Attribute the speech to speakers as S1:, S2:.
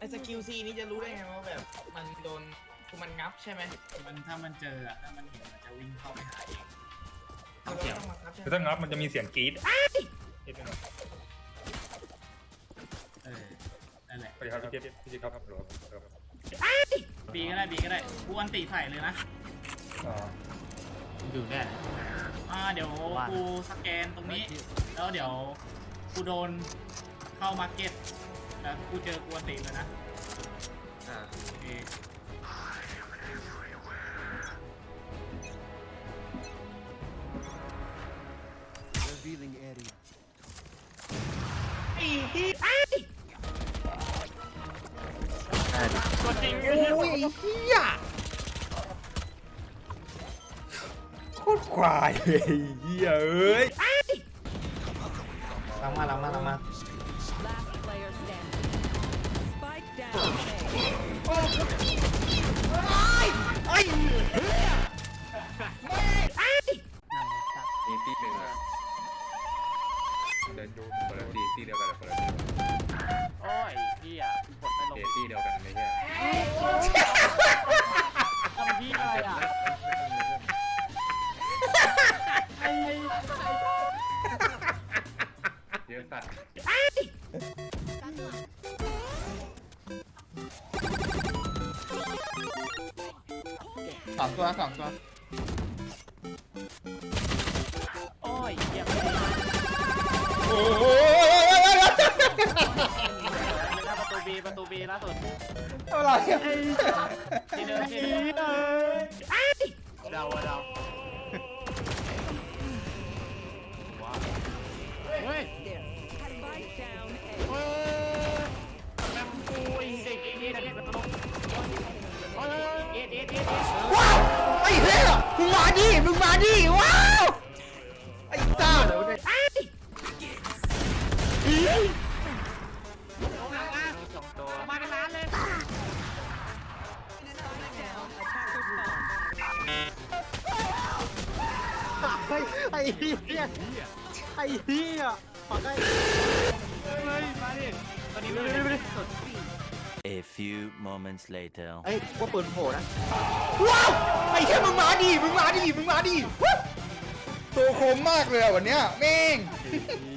S1: สกิลซีนี่จะรู้ได้ไงว่าแบบมันโดนคือมันงับใช่ไหม
S2: มันถ้ามันเจออะถ้ามันเห็นมันจะวิ่งเข้าไปหาเอง
S1: เราต้องมางับใช่ไหม
S3: คือถ้างับมันจะมีเสียงกรี๊ดนิดนึง
S2: นั่นแหละ
S3: สวัสดีครับพี่เจครับครับครับ
S2: บีก็ได้กูอันติใส่เลยนะ
S3: อ๋อ
S4: อยู่เนี่ย
S2: เดี๋ยวกูสแกนตรงนี้แล้วเดี๋ยวกูโดนเข้ามาร์เก็ตแล้วกูเจอกูอันติเลยนะโอเค
S5: Revealing area.
S1: ตัวจริง
S3: โอ้ยเฮียโคตรควายเลยเฮียเอ้ย
S1: หลังมา
S6: Last player standing. Spike down. A.
S7: มีตีหนึ่งอะเดินดูคนละตีเดียวกันคนละตี
S4: โอ้ยพี่อ่ะกดไม่ลง
S7: ตีเดียวกันไม่ใช่
S4: ทำพี่อะไรอ่ะ
S7: เยอะสัตว์
S1: สองตัว
S4: โอ้ยเหี้ย
S3: โอ้ย
S4: ประตูบีล่าสุด
S3: อะไรอะ
S4: ที่เดิมเดาว้าวเฮ้ย
S6: Spike down. A.
S4: แม่งกูไอ้เด็กนี่นะเนี่ยประตูเฮ้ยเอ็ด
S3: ว้าวไอ้เหี้ยมึงมาดิว้าวไอ้ตา
S4: สองตัวมาเป็นล้านเลย
S6: Down. Attacker spawn.
S4: ไอ้เหี้ยปักได้เฮ้ยมาดิตอนนี้ไม่ได้สุด
S8: A few moments later.
S1: เอ้ยว่าปืนโผล่นะ
S3: ว้าวไอ้เหี้ยมึงมาดิตัวคมมากเลยอะวันเนี้ยแม่ง